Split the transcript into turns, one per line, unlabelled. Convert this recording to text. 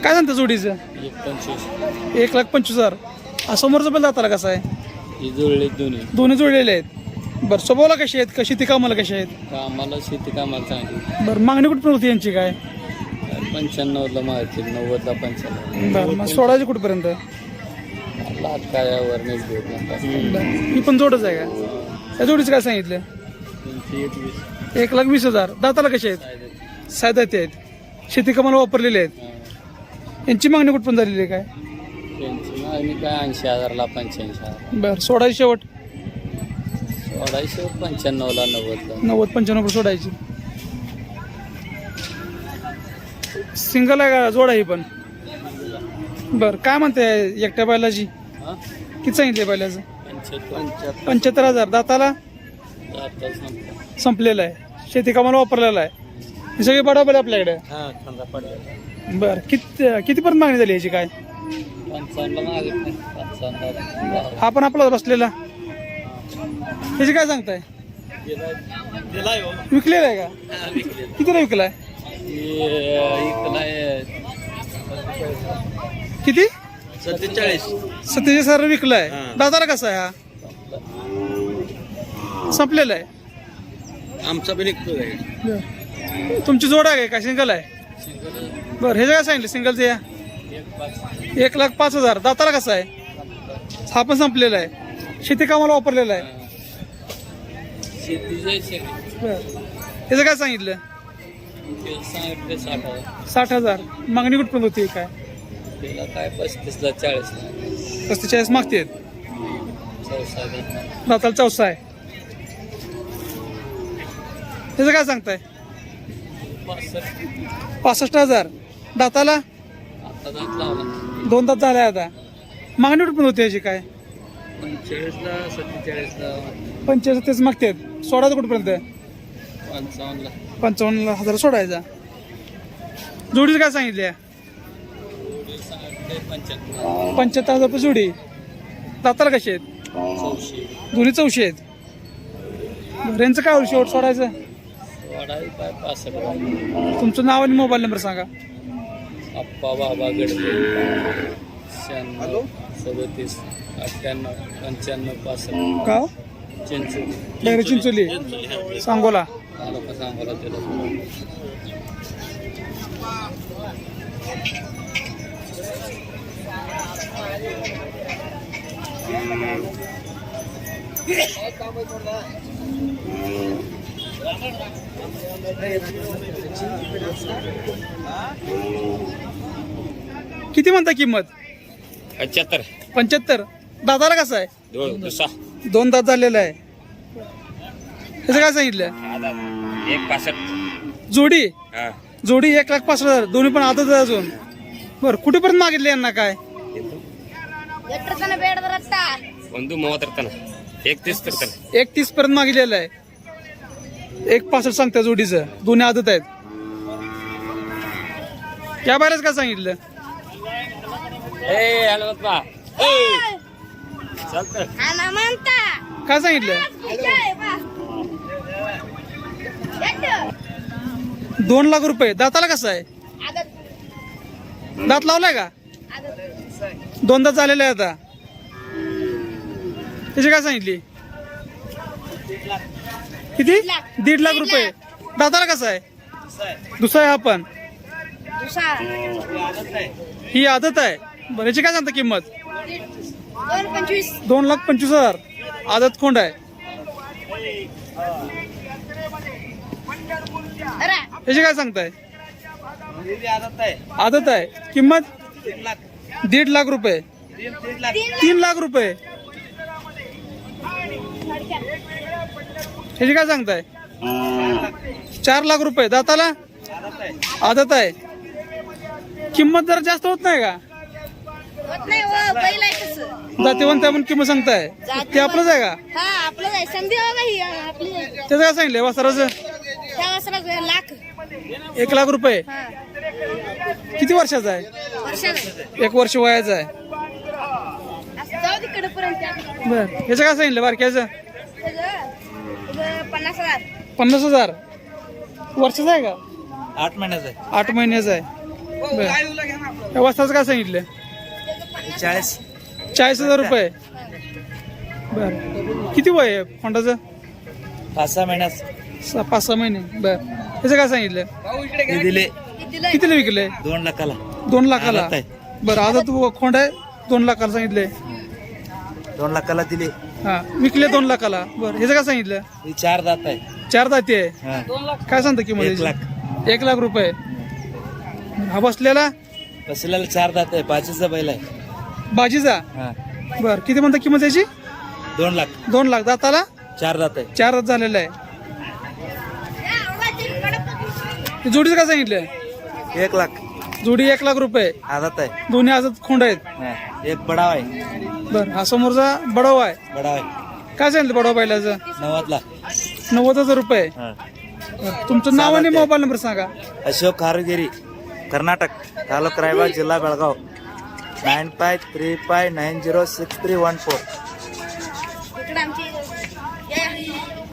काय सांगता जोडीचं? 1,25,000. समोरचा बैल दाताला कसा आहे?
जुळले
दोन्ही जुळलेले आहेत. बरं स्वभावाला कशी आहेत? कशी ती कामाला कशी आहेत?
कामाला शेती कामाला चांगली.
बरं मागणी कुठपर्यंत होती यांची काय?
95ला मारतील, 90ला 95.
बरं मग सोडायची कुठपर्यंत?
लाख कायावर नाही घेत.
ही पण जोडच आहे का? त्या जोडीचं काय सांगितलं? 1,20,000. दाताला कसे आहेत? सायदाती आहेत. शेती कामाला वापरलेले आहेत. यांची मागणी कुठपर्यंत झालेली आहे काय?
त्यांची मागणी काय 80,000ला 85,000.
बरं सोडायची शेवट?
सोडायचं 95ला 90ला.
90-95 सोडायची. सिंगल आहे का जोड आहे ही पण? बरं काय म्हणते एकट्या बैलाची? किती सांगितले बैलाचं? 75,000. दाताला संपलेला आहे. शेती कामाला वापरलेला आहे. हे सगळे बडा बैल आपल्याकडे. बरं कितीपर्यंत मागणी झाली याची काय?
55ला मागितलं. 55ला.
हा पण आपला बसलेला त्याची काय सांगताय? विकलेला आहे का? कितीला विकलाय? किती? 47,000 विकलाय. दादाला कसा आहे हा? संपलेला आहे.
आमचा पण
तुमची जोड आहे का सिंगल आहे? बरं हे काय सांगितलं सिंगलचं? या 1,05,000. दाताला कसा आहे? हा पण संपलेला आहे. शेती कामाला वापरलेला आहे. त्याचं काय सांगितलं? 60,000. मागणी कुठपर्यंत होती काय?
काय 35ला 40ला.
45 मागते. दाताला 64 आहे. त्याचं काय सांगताय? 65,000. दाताला 2 दात झाले आता. मागणी कुठपर्यंत होती याची काय?
45ला 47ला.
45 तेच मागते. सोडायचं कुठपर्यंत?
55ला.
55,000 सोडायचा. जोडीचं काय सांगितले? 75,000 रुपये जोडी. दाताला कशी आहेत? दोन्ही 84 आहेत. यांचं काय होईल शेवट सोडायचं? तुमचं नाव आणि मोबाईल नंबर सांगा.
अप्पा बाबा गडबे 96 37 98 95 65.
का? चिंचोली सांगोला.
सांगोला त्याला.
किती म्हणता किंमत?
75.
दाताला कसं आहे? 2 दात झालेला आहे. त्याचं काय सांगितलं?
1,65.
जोडी 1,65,000. दोन्ही पण आदत आहे अजून. बरं कुठेपर्यंत मागितले यांना काय? 1,30 पर्यंत मागितलेलं आहे. 1,65 सांगता जोडीचं. दोन्ही आदत आहेत. या बाहेरच काय सांगितलं? काय सांगितलं? 2 लाख रुपये. दाताला कसं आहे? दात लावलाय का? 2 दात झालेले आहे आता. त्याची काय सांगितली? किती? 1.5 लाख रुपये. दाताला कसं आहे? दुसरा आहे हा पण. ही आदत आहे. बरं याची काय सांगता किंमत? 2,25,000. आदत कोंड आहे. याची काय सांगताय? आदत आहे. किंमत 1.5 लाख रुपये. 3 लाख रुपये. याची काय सांगताय? 4 लाख रुपये. दाताला आदत आहे. किंमत जरा जास्त होत नाही का? जातीवंत आहे म्हणून किंमत सांगताय. ते आपलंच आहे का? त्याचं काय सांगितलंय वासराचं? 1 लाख रुपये. किती वर्षाचा आहे? 1 वर्ष वयाचा आहे. बर याचं काय सांगितलं बारक्याचं? 50,000. वर्षाचा आहे का?
8 महिन्याचा आहे.
8 महिन्याचा आहे. बर या वस्ताचं काय सांगितलं? 40,000 रुपये. बर किती वय आहे होंडाचं?
5-6 महिन्यात
5-6 महिने. बर त्याचं काय सांगितलं?
ते दिले
कितीला विकले?
2 लाखाला.
2 लाखाला.
आदत आहे.
बरं आता तू खोंड आहे 2 लाखाला सांगितले.
2 लाखाला दिले.
हा विकले 2 लाखाला. बरं ह्याचं काय सांगितलं?
ही 4 दात आहे.
4 दाती आहे.
हा.
काय सांगता किंमत?
1 लाख.
1 लाख रुपये. हा बसलेला
बसलेला 4 दात आहे. 5चा बैल आहे.
बाजीचा.
हा.
बर किती म्हणता किंमत त्याची?
2 लाख.
2 लाख. दाताला
4 दात आहे.
4 दात झालेला आहे. जोडीचं काय सांगितलं?
1 लाख.
जोडी 1 लाख रुपये.
आदत आहे.
दोन्ही आजच खोंड आहेत.
हा. एक बडाव आहे.
बर हा समोरचा बडाव आहे.
बडाव आहे.
काय सांगितलं बडाव बैलाचं?
90ला.
90,000 रुपये.
हा.
बरं, तुमचं नाव आणि मोबाईल नंबर सांगा.
अशोक खारुगिरी, कर्नाटक, तालुका रायबाग, जिल्हा बेळगाव. 9535906314.